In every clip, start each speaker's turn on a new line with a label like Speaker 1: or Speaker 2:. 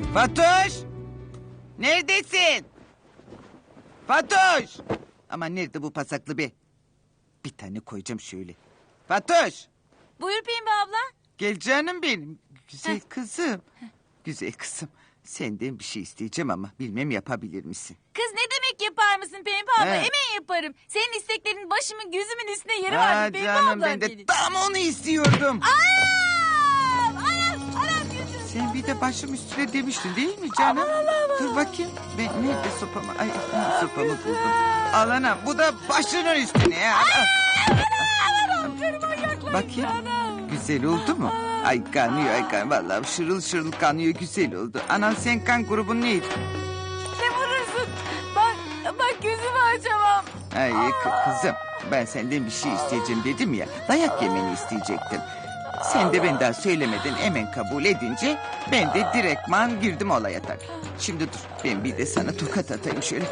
Speaker 1: Fatoş! Neredesin? Fatoş! Ama nerede bu pasaklı be? Bir tane koyacağım şöyle. Fatoş!
Speaker 2: Buyur Pembe abla.
Speaker 1: Gel canım benim. Güzel kızım. Güzel kızım. Senden bir şey isteyeceğim ama bilmem yapabilir misin?
Speaker 2: Kız ne demek yapar mısın Pembe abla?
Speaker 1: He.
Speaker 2: Hemen yaparım. Senin isteklerin başımın gözümün üstüne yeri var Pembe
Speaker 1: Canım
Speaker 2: abla.
Speaker 1: ben de tam onu istiyordum.
Speaker 2: Anam gözüm.
Speaker 1: Sen bir de başım üstüne demiştin değil mi canım? Dur bakayım. Ben nerede sopamı? Ay sopamı buldum. Al anam bu da başının üstüne ya. Bakayım. Güzel oldu mu? Ay kanıyor ay kanıyor. Vallahi şırıl şırıl kanıyor güzel oldu. Anan sen kan grubun neydi?
Speaker 2: Ne vurursun? Bak gözümü açamam.
Speaker 1: Ay kızım ben senden bir şey isteyeceğim dedim ya. Dayak yemeni isteyecektim. Sen de ben daha söylemeden hemen kabul edince ben de direktman girdim olaya tabii. Şimdi dur ben bir de sana tokat atayım şöyle.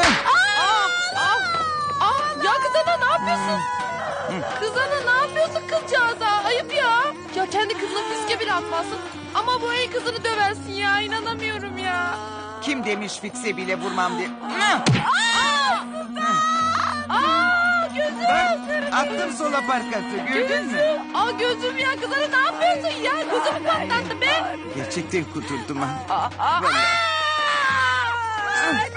Speaker 3: Ya kız ana ne yapıyorsun? Kız ana ne yapıyorsun kızcağıza? Ayıp ya. Ya kendi kızına fiske bile atmazsın. Ama bu el kızını döversin ya. İnanamıyorum ya.
Speaker 1: Kim demiş fikse bile vurmam diye.
Speaker 3: Gözüm.
Speaker 1: Bak attım sola parkatı gördün mü?
Speaker 3: Gözüm ya kız ana ne yapıyorsun ya? Gözümü patlattı be.
Speaker 1: Gerçekten kudurdum ha. Vallahi.
Speaker 3: Ay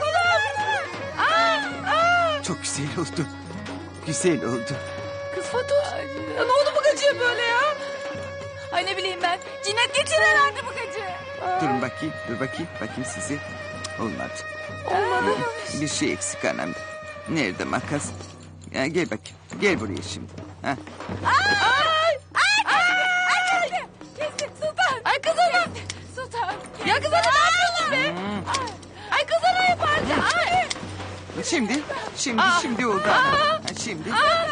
Speaker 3: kolum.
Speaker 1: Çok güzel oldu. Güzel oldu.
Speaker 3: Kız Fatoş. Ya ne oldu bu gacıya böyle ya?
Speaker 2: Ay ne bileyim ben. Cinnet geçirir herhalde bu gacı.
Speaker 1: Durun bakayım bakayım size. Cık, olmadı.
Speaker 3: Olmadı.
Speaker 1: Bir şey eksik anam. Nerede makas? Ya gel bakayım. Gel buraya şimdi. Ha.
Speaker 2: Kesin Sultan.
Speaker 3: Ay kız ana.
Speaker 2: Sultan.
Speaker 3: Ya kız ana ne yapıyorsun be? Ay kız ana yapardı. Ay.
Speaker 1: Şimdi oldu. Ha, şimdi.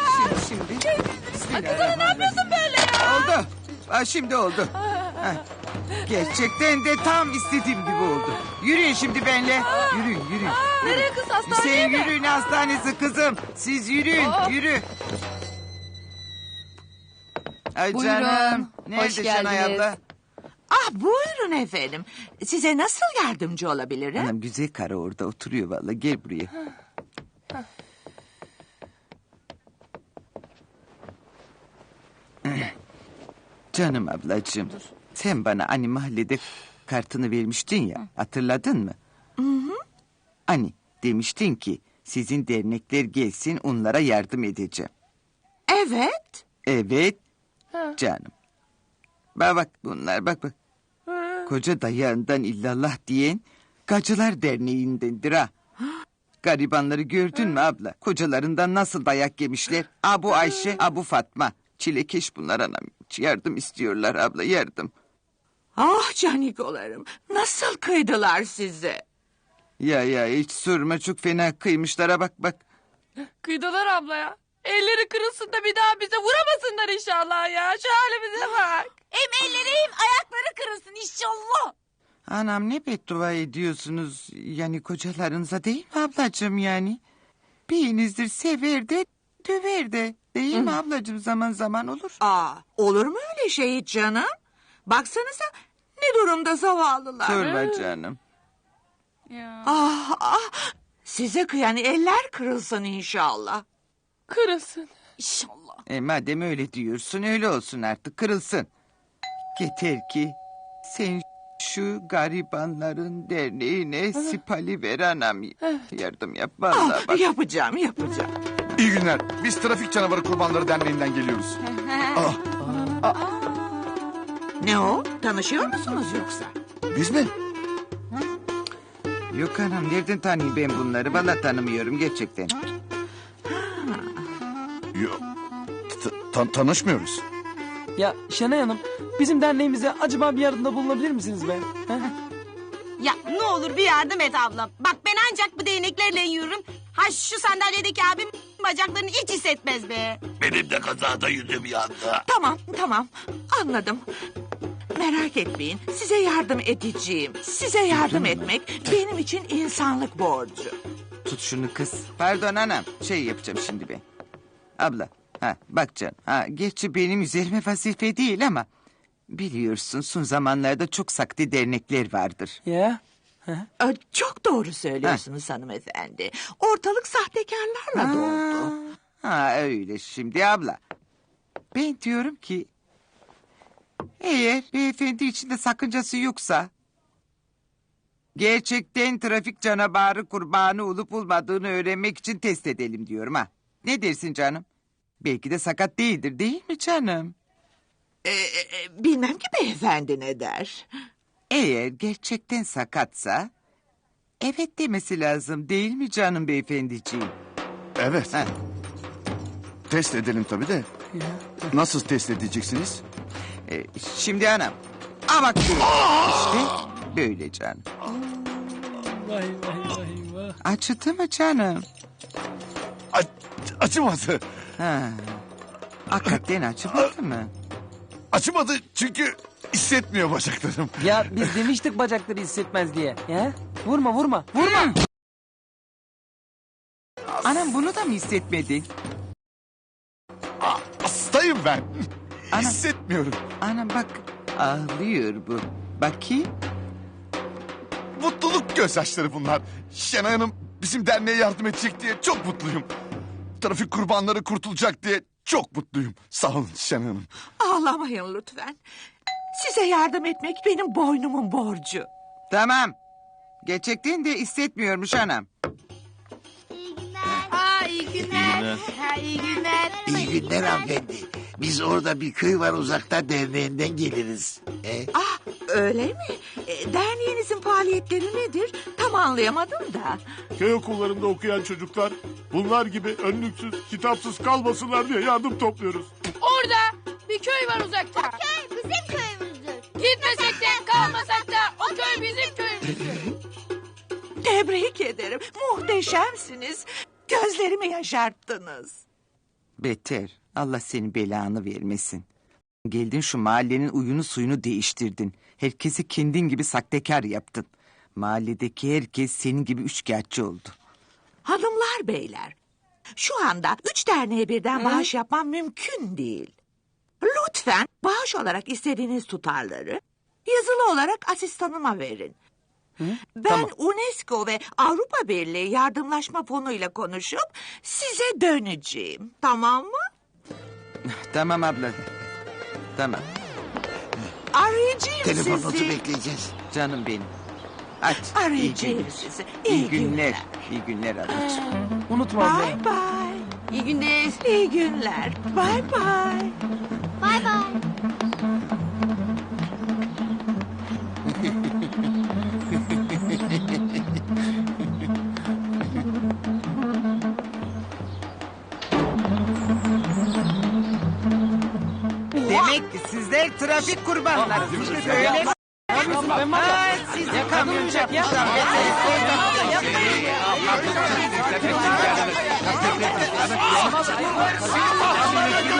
Speaker 3: Kız ana ne yapıyorsun böyle ya?
Speaker 1: Oldu. Ha, şimdi oldu. Ha. Gerçekten de tam istediğim gibi oldu. Yürüyün şimdi benimle. Yürüyün.
Speaker 3: Nereye kız hastaneye
Speaker 1: Sen
Speaker 3: mi?
Speaker 1: yürüyün hastanesi kızım. Siz yürüyün. Yürü. Ay
Speaker 4: Buyurun,
Speaker 1: canım.
Speaker 4: hoş
Speaker 1: Nerede Şenay
Speaker 4: geldiniz.
Speaker 1: abla?
Speaker 4: Ah buyurun efendim. Size nasıl yardımcı olabilirim?
Speaker 1: Anam güzel karı orada oturuyor vallahi. Gel buraya. Canım ablacığım. Sen bana hani mahallede kartını vermiştin ya. Hatırladın mı? Hani demiştin ki sizin dernekler gelsin onlara yardım edeceğim.
Speaker 4: Evet.
Speaker 1: Evet canım. Bak bunlar bak. Koca dayağından illallah diyen Gacılar Derneği'ndendir ha. Garibanları gördün mü abla? Kocalarından nasıl dayak yemişler? Abu Ayşe, Abu Fatma. Çilekeş bunlar anam. Yardım istiyorlar abla yardım.
Speaker 4: Ah canikolarım. Nasıl kıydılar size?
Speaker 1: Ya hiç sorma çok fena kıymışlara bak.
Speaker 3: Kıydılar abla ya. Elleri kırılsın da bir daha bize vuramasınlar inşallah ya. Şu halimize bak.
Speaker 2: Hem elleri hem ayakları kırılsın inşallah.
Speaker 1: Anam ne beddua ediyorsunuz yani kocalarınıza değil mi ablacığım yani? Birinizdir sever de döver de değil mi ablacığım zaman zaman olur.
Speaker 4: Olur mu öyle şey hiç canım? Baksanıza ne durumda zavallılar.
Speaker 1: Sorma canım.
Speaker 4: Size kıyan eller kırılsın inşallah.
Speaker 3: Kırılsın.
Speaker 2: İnşallah.
Speaker 1: Madem öyle diyorsun öyle olsun artık kırılsın. Yeter ki sen şu garibanların derneğine sipali ver anam. Yardım yap vallahi bak.
Speaker 4: Yapacağım.
Speaker 5: İyi günler. Biz Trafik Canavarı Kurbanları Derneği'nden geliyoruz.
Speaker 4: Ne o? Tanışıyor musunuz yoksa?
Speaker 5: Biz mi?
Speaker 1: Yok anam nereden tanıyayım ben bunları? Vallahi tanımıyorum gerçekten.
Speaker 5: Yok. Tanışmıyoruz.
Speaker 6: Ya Şenay Hanım, bizim derneğimize acaba bir yardımda bulunabilir misiniz be? He?
Speaker 7: Ya ne olur bir yardım et ablam. Bak ben ancak bu değneklerle yürürüm. Ha şu sandalyedeki abim bacaklarını hiç hissetmez be.
Speaker 8: Benim de kazada yüzüm yandı.
Speaker 4: Tamam anladım. Merak etmeyin size yardım edeceğim. Size yardım etmek benim için insanlık borcu.
Speaker 1: Tut şunu kız. Pardon anam şey yapacağım şimdi ben. Abla bak canım. Gerçi benim üzerime vazife değil ama Biliyorsun son zamanlarda çok saklı dernekler vardır.
Speaker 6: Ya.
Speaker 4: Çok doğru söylüyorsunuz hanımefendi. Ortalık sahtekarlarla doldu.
Speaker 1: Ha öyle şimdi abla. Ben diyorum ki... Eğer beyefendi içinde sakıncası yoksa... Gerçekten trafik canavarı kurbanı olup olmadığını öğrenmek için test edelim diyorum ha. Ne dersin canım? Belki de sakat değildir değil mi canım?
Speaker 4: Bilmem ki beyefendi ne der.
Speaker 1: Eğer gerçekten sakatsa... Evet demesi lazım değil mi canım beyefendiciğim?
Speaker 5: Evet.
Speaker 1: Ha.
Speaker 5: Test edelim tabii de. Nasıl test edeceksiniz?
Speaker 1: Şimdi anam. Aa bak böyle. İşte böyle canım.
Speaker 6: Vay vay vay vay.
Speaker 1: Acıdı mı canım?
Speaker 5: Acımadı.
Speaker 1: Ha. Hakikaten acımadı mı?
Speaker 5: Acımadı çünkü hissetmiyor bacaklarım.
Speaker 6: Ya biz demiştik bacakları hissetmez diye. Ya. Vurma vurma. Vurma.
Speaker 1: Anam bunu da mı hissetmedin?
Speaker 5: Hastayım ben.
Speaker 1: Ana.
Speaker 5: Hissetmiyorum.
Speaker 1: Anam bak ağlıyor bu. Bakayım.
Speaker 5: Mutluluk gözyaşları bunlar. Şenay Hanım bizim derneğe yardım edecek diye çok mutluyum. Trafik kurbanları kurtulacak diye çok mutluyum. Sağ olun Şenay Hanım.
Speaker 4: Ağlamayın lütfen. Size yardım etmek benim boynumun borcu.
Speaker 1: Tamam. Gerçekten de hissetmiyormuş anam.
Speaker 2: İyi günler.
Speaker 8: İyi günler hanımefendi. Biz orada bir köy var uzakta derneğinden geliriz.
Speaker 4: Öyle mi? Derneğinizin faaliyetleri nedir? Tam anlayamadım da.
Speaker 9: Köy okullarında okuyan çocuklar bunlar gibi önlüksüz, kitapsız kalmasınlar diye yardım topluyoruz.
Speaker 3: Orada bir köy var uzakta.
Speaker 7: Köy bizim köyümüzdür.
Speaker 3: Gitmesek de kalmasak da o köy bizim köyümüzdür.
Speaker 4: Tebrik ederim. Muhteşemsiniz. Gözlerimi yaşarttınız.
Speaker 1: Beter. Allah senin belanı vermesin. Geldin şu mahallenin uyunu suyunu değiştirdin. Herkesi kendin gibi saktekar yaptın. Mahalledeki herkes senin gibi üçkağıtçı oldu.
Speaker 4: Hanımlar beyler. Şu anda 3 derneğe birden bağış yapmam mümkün değil. Lütfen bağış olarak istediğiniz tutarları yazılı olarak asistanıma verin. Ben
Speaker 6: Tamam.
Speaker 4: UNESCO ve Avrupa Birliği yardımlaşma fonuyla konuşup size döneceğim. Tamam mı?
Speaker 1: Tamam abla. Tamam.
Speaker 4: Arayacağım
Speaker 8: Telefonunuzu
Speaker 4: sizi.
Speaker 8: bekleyeceğiz.
Speaker 1: Canım benim. Aç.
Speaker 4: Arayacağım
Speaker 1: günler.
Speaker 4: sizi.
Speaker 1: İyi günler. İyi günler ablacığım.
Speaker 6: Unutma abla.
Speaker 4: Bye bye.
Speaker 2: İyi günler.
Speaker 4: İyi günler. Bye bye.
Speaker 7: Bay bay.
Speaker 1: Demek ki sizler trafik kurbanlarısınız. Öyle mi?
Speaker 6: Ben var
Speaker 1: Ha,
Speaker 6: ya.
Speaker 1: siz
Speaker 6: Ya kadın uyuyacak ya.
Speaker 1: yapmışlar.